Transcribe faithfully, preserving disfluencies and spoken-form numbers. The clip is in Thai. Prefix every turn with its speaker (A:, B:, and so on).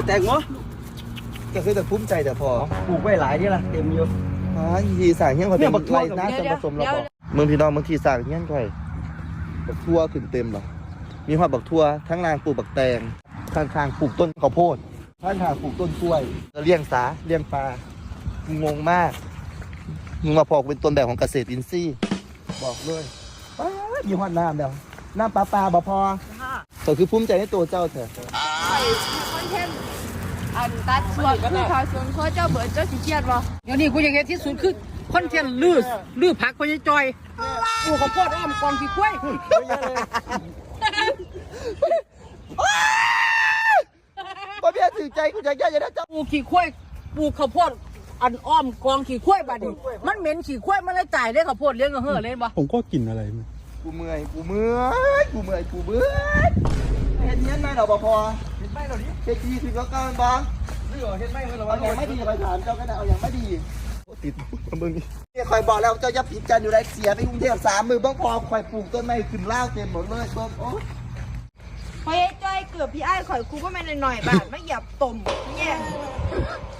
A: แตงโมก็คือแต่ภูมิใจแต่พอปลูกไว้หลายนี่ล่ะเต็มอยู่อ๋อทีสางเงี้ยเขาเป็นไรน้าจะผสมเราบอกเมืองพี่น้องเมืองทีสางเงี้ยก่อยบักทั่วขึ้นเต็มหรอมีหอดบักทั่วทั้งนางปลูกบักแตงข้างๆปลูกต้นข้าวโพดข้างๆปลูกต้นกล้วยเลี้ยงสาเลี้ยงปลางงมากมึงมาพอกเป็นต้นแบบของเกษตรอินทรีย์บอกเลยป้ามีหอดน้ำเดียวน้ำปลาปลาบ่พอก็คือภูมิใจในตัวเจ้าเถอะ
B: คอนเทนต์อันตัดส่วนคือเขาส่วนเขาเจ้าเบิร์ดเจ้าสิเกียดบ่
C: เดี๋ยวนี้กูยังเห็นที่สุดคือคอนเทนต์ลื้อลื้อผักพญจอยกูข้าวโพดอ้อมกองขี้ควาย
A: บ่เบี้ยถือใจกูจะแย่ยังไงเจ้า
C: ปูขี้ควายปูข้าวโพดอันอ้อมกองขี้ควายบัดนี้มันเหม็นขี้ควายมันเลยจ่ายได้ข้าวโพดเลี้ยงกับเห่อเลยบ่
D: ผมก็กินอะไรมั้ย
A: กูเมื่อยกูเมื่อยกูเมื่อยกูเบื่อเห็นเงี้ยไหมเราบ่พอเห็นไหมเราดิเฮ็ดดีถึงก็เกินบ้างนี่เหรอเห็นไหมเราเอาอย่างไม่ดีไปถามเจ้าก็ได้เอาอย่างไม่ดีติดมึงนี่คอยบอกแล้วเจ้าจะผิดกันอยู่ไรเสียไปกรุงเทพสามมือบ้างพอคอยปลูกต้นไม้ขึ้นล่าเต็มหมดเลยต้นโอ้
B: พอไอ้จ้อยเกือบพี่ไอ้ข่อยกูก็ไม่หน่อยๆบาทไม่หยับตุ่มเนี่ย